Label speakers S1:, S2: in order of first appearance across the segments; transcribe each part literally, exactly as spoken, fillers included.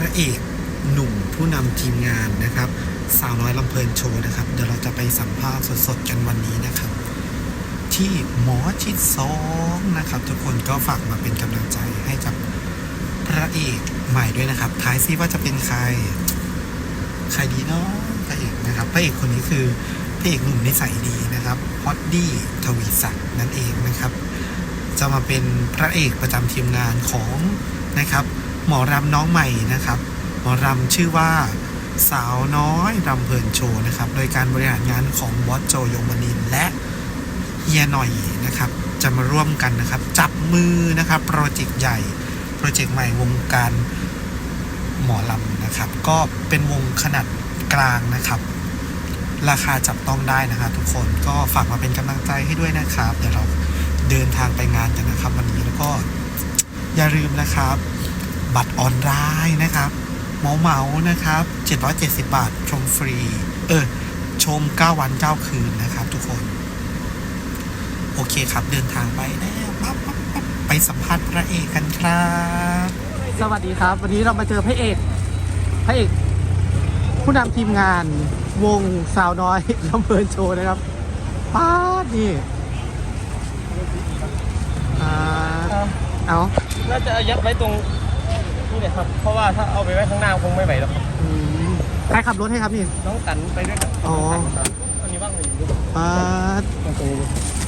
S1: ระเอกหนุ่มผู้นำทีมงานนะครับสาวน้อยลำเพลินโชว์นะครับเดี๋ยวเราจะไปสัมภาษณ์สดๆกันวันนี้นะครับที่หมอชิดสองนะครับทุกคนก็ฝากมาเป็นกำลังใจให้กับพระเอกใหม่ด้วยนะครับทายซิว่าจะเป็นใครใครดีเนาะพระเอกนะครับพระเอกคนนี้คือพระเอกหนุ่มนิสัยดีนะครับฮอตดี้ทวีศักดิ์นั่นเองนะครับจะมาเป็นพระเอกประจำทีมงานของนะครับหมอรำน้องใหม่นะครับหมอรำชื่อว่าสาวน้อยรำเพลินโชว์นะครับโดยการบริหารงานของบอสโจยงมนินทร์และเฮียหน่อยนะครับจะมาร่วมกันนะครับจับมือนะครับโปรเจกต์ใหญ่โปรเจกต์ใหม่วงการหมอลำนะครับก็เป็นวงขนาดกลางนะครับราคาจับต้องได้นะครับทุกคนก็ฝากมาเป็นกำลังใจให้ด้วยนะครับเดี๋ยวเราเดินทางไปงานกันนะครับวันนี้แล้วก็อย่าลืมนะครับบัตรออนไลน์นะครับเหมาเหมานะครับเจ็ดร้อยเจ็ดสิบบาทชมฟรีเออชมเก้าวันเก้าคืนนะครับทุกคนโอเคครับเดินทางไปแล้วปั๊บปั๊บปั๊บไปสัมภาษณ์พระเอกกันครับสวัสดีครับวันนี้เรามาเจอพระเอกพระเอกผู้นำทีมงานวงสาวน้อยลำเพลินโชว์นะครับป้าดนี่อ่าเอา
S2: น่าจะยัดไว้ตรงนี่แหละครับเพราะว่าถ้าเอาไปไว้ข้างหน้าคงไม่ไหวแล้วครับ
S1: ใครขับรถให้ครับนี่
S2: น้องตันไปด้วยกัน
S1: อ๋อ
S2: อันนี้ว่างหนึ่งดู
S1: ป้าด
S2: ตรงนี้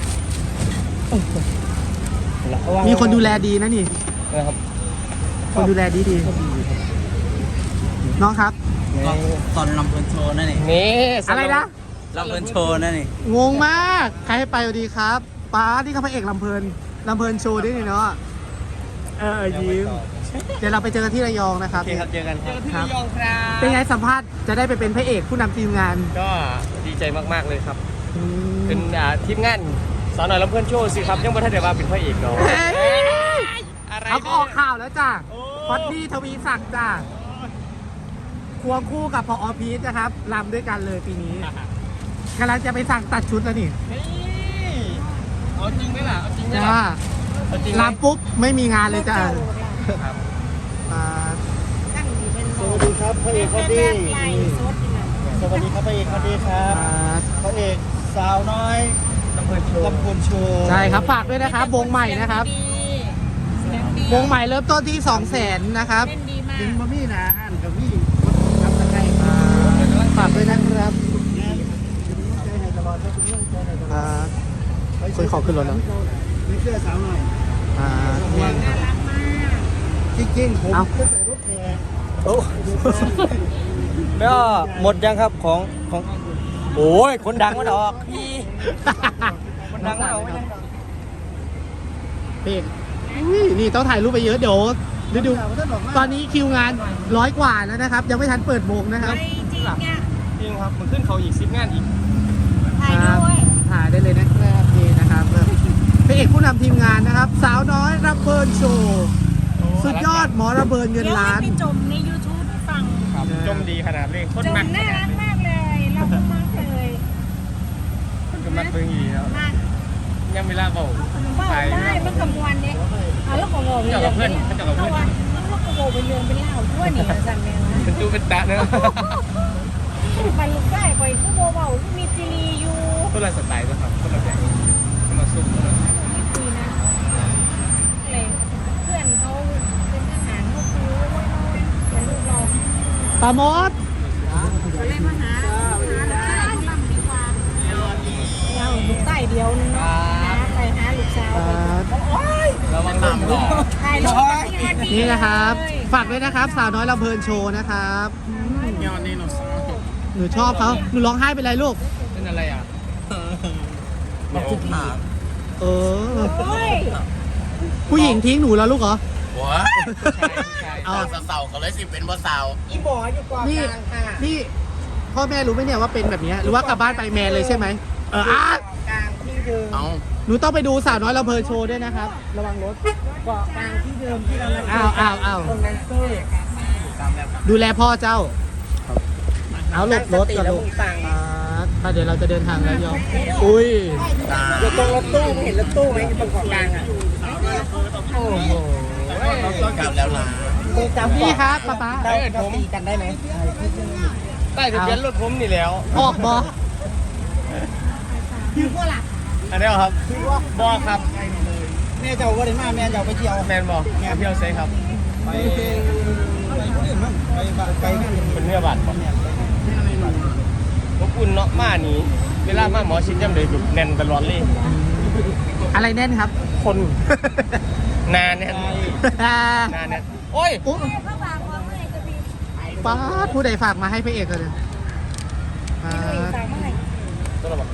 S1: มีคนดูแลดีนะนี่
S2: นะครับ
S1: คนดูแลดีดีน้องครับ
S3: ตอนลำเพลินโชว์นั่นเอง
S2: นี่
S1: อะไรนะ
S3: ลำเพลินโชว์นั่นเอง
S1: งงมากใครให้ไปดีครับป้าที่เขาพระเอกลำเพลินลำเพลินโชว์ด้วยนี่เนาะเออยิ้มเดี๋ยวเราไปเจอกันที่ระยองนะครับ
S2: โอเคครับเจอกันครับที่ระยองครับ
S1: เป็นไงสัมภาษณ์จะได้ไปเป็นพระเอกผู้นำทีมงาน
S2: ก็ดีใจมากๆเลยครับเป็นทีมงานสาวน้อยลำเพลินโชว์สิครับยังไม่ทันได้ว่าเป็นพระเอกเนาะ
S1: อะไรเขาออกข่าวแล้วจ้ะฮอตดี้ทวีศักดิ์จ้ะควงคู่กับพอพีชนะครับรำด้วยกันเลยปีนี้กำลังจะไปสั่งตัดชุดแล้วนี่
S2: เอาจริงไหมล่ะเอาจริงไหม
S1: ล่ะรำปุ๊บไม่มีงานเลยจ้ะ
S2: สวัสดีครับพระเอกคนดีสวัสดีครับพระเอกคนดีครับพระเอกสาวน้อยลำเพลินโชว์ลำเพลินโชว์
S1: ใช่ครับฝากด้วยนะครับวงใหม่นะครับวงใหม่เริ่มต้นที่สองแสนนะครับ
S2: ยิงบะมี่นะฮันกับมี่
S1: ฝากด้วยนะครับคุยขอขึ้นรถแล้ว
S2: มีเสื้อสาวหน่อย
S1: อ่า
S2: จริงๆผมใส่รถแห่โอ้แล้วหมดยังครับของของโอ้ยคนดังมันออกพี่คนดังมันออก
S1: เพลงนี่ต้องถ่ายรูปไปเยอะเดี๋ยวดูดูตอนนี้คิวงานร้อยกว่าแล้วนะครับยังไม่ทันเปิดวงนะครับ
S4: จริงเนี่ย
S2: จริงครับมันขึ้นเขาอีกสิบงานอีก
S4: ถ่ายด้วย
S1: ถ่ายได้เลยนะครับนี่นะครับพระเอกผู้นำทีมงานนะครับสาวน้อยรับเบิร์นโชว์สุดยอดหมอระเบิดเงินล้าน
S4: เดี๋ยวให้ไปจมใน ยูทูบ ฟัง
S2: จมดีขนาดเลย
S4: จมน่ารักมากเลยเราก็มากเลย
S2: ก็มักเบิ่งอีแล้วยังเวลาเบา
S4: ใช่เมื่อกลางวันเนี่ยเอาแล้วก็โง่ไปเพื่อน
S2: เจ้ากับเพื่อน
S4: แล้วก็โง่ไปเรื่องเป็นเล่าทั่วนี่สั่นเลยนะ
S2: เป็นตู้เป็นตาเนอะ
S4: ไปลูกได้ไปก็โง่เบาที่มีจีรีอยู่
S2: คนละสไตล์นะครับคนละแบบคนละซุ่มคนละ
S4: ไม่คุยนะเลยเพื่อนเขาเป็นทหารเขาคือว่าน้อยเป็นลูกเรา
S1: ปาโมด
S4: ก็เลยมาหาหาได้บ้างดีกว่าเราลูกใต้เดียวนึงนะไปหาลูกสาว
S2: ระวังน้ำหรอ
S1: นี่นะครับฝากด้วยนะครับสาวน้อยลำเพลินโชว์นะครับหนูชอบเขาหนูร้องไห้เป็นไรลูก
S2: เป็นอะไรอ่ะ
S3: มาคุกหา
S1: เออผู้หญิงทิ้งหนูแล้วลูกเหรอ
S3: หัวเอาสาวๆเขาเลยสิเป็นบ่สาว
S4: อีหมออยู่กองกลางค่ะ
S1: นี่พ่อแม่รู้ไหมเนี่ยว่าเป็นแบบนี้หรือว่ากลับบ้านไปแมนเลยใช่ไหมเอออ่ะ
S4: กลางที่เดิม
S3: เอา
S1: หนูต้องไปดูสาวน้อยลำเพลินโชว์ด้วยนะครับระวังรถ
S4: เกาะกลางที่เดิมที่เรา
S1: อ้าวอ้าวอ้าว
S4: ตรงนั้นเซ่
S1: ดูแลพ่อเจ้าเอาหลบรถกับลูกถ้าเดี๋ยวเราจะเดินทางแล้วยอมอุ้ย
S4: อยู่ตรงรถตู้เห็นรถตู้ไหมตรงเกาะกลางอ่ะ
S3: โอ้โหกลับแล้วนะ
S1: นี่ครับป๊าป๊า
S2: ได้ผมตีกันได้ไหมได้ทะเบียนรถผมนี่แล้ว
S1: ออกบอ
S4: คือว่าล่ะ
S2: อันนี้ครับบอครับ
S3: แม่เจ้าก็ได้มาแม่เจ้าไปเที่ยว
S2: แมนบอแมนเที่ยวเซ่ครับ
S3: ไปไปผู้อื่นมั้งไปไปงาน
S2: เป็นเนื้อบัตรบ่อบอุ่นเนาะมานี่เวลามาหมอชิดย่ำเลยแบบแน่นตลอดเลย
S1: อะไรแน่นครับ
S2: คนนานเนี่ยนานเนี่ยโอ้ย
S1: อุ๊ย
S4: พระบางว่าเมื่อไหร่จะมี
S1: ป้าดผู้ใดฝากมาให้พระเอกเลยป้า
S4: ไม่รู้
S1: ด
S4: สั่งเมื่อไหร่
S2: ตัวละบอก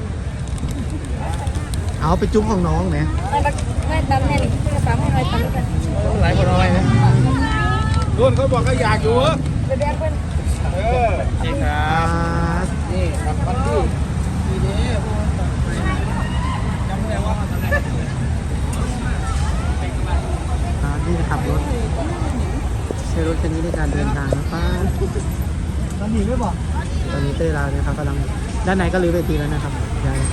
S1: เอาไปจุ้มของน้องเนี่ย
S4: ไม่บักไม่ตำแน่นี่คือกระเป๋าไม่น้อยตำกัน
S2: หลายคนเอาไว้นะ
S3: รุ่นเขาบอกเขาอยากอยู่เออ
S4: ไปแบงเพื่อน
S3: เออ
S2: จริงครับ
S3: นี่ครับวันที่ทีนี้จำได้ว่า
S1: ป้าที่ขับรถใช้รถคันนี้ในการเดินทางนะป้า
S3: มันหนีไม่บอก
S1: ตอนนี้เต้ยลาวนะครับกำลังด้านในก็รื้อเวทีแล้วนะครับยาย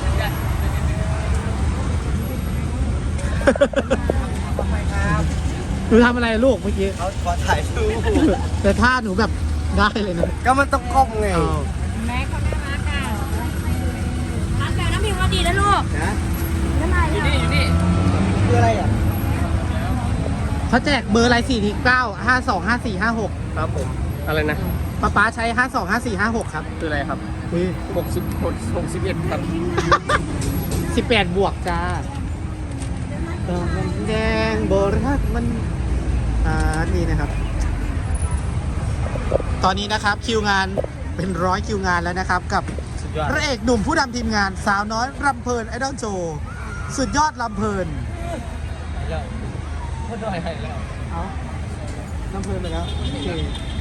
S1: หนูทำอะไรลูกเมื่อกี้
S2: เขาขอถ่ายรูป
S1: แต่ท่าหนูแบบได้เลยนะ
S2: ก็มันต้องก้มไง
S1: เอา
S4: แม่เขาน่ารักอ่ะร้านแบบน้ำพิมพ์ว่าดีนะลูก
S3: นะ
S4: น้ำลาย
S2: อยู่นี่อยู่นี่
S3: คืออะไรอ่ะ
S1: เขาแจกเบอร์อะไรสี่ทีเก้าห้าสองห้าสี่ห้าหก
S2: ครับผมอะไรนะ
S1: ป้าป๊าใช้ห้าสองห้าสี่ห้าหกครับ
S2: คืออะไรครับ
S1: อุ้ย
S2: หกสิบหกหกสิบเอ็ดครับ
S1: สิบแปดบวกจ้าดอกมันแดงโบรักมันอ่านี่นะครับ ตอนนี้นะครับคิวงานเป็นร้อยคิวงานแล้วนะครับ กับ
S2: สุดยอด
S1: พระเอกหนุ่มผู้นำทีมงานสาวน้อยรำเพลินไอดอลโชว์สุดยอดรำเพลิน
S2: แล้วพูดด้วยให้แล้ว
S1: เอารำเพลินไปแล้วโอเค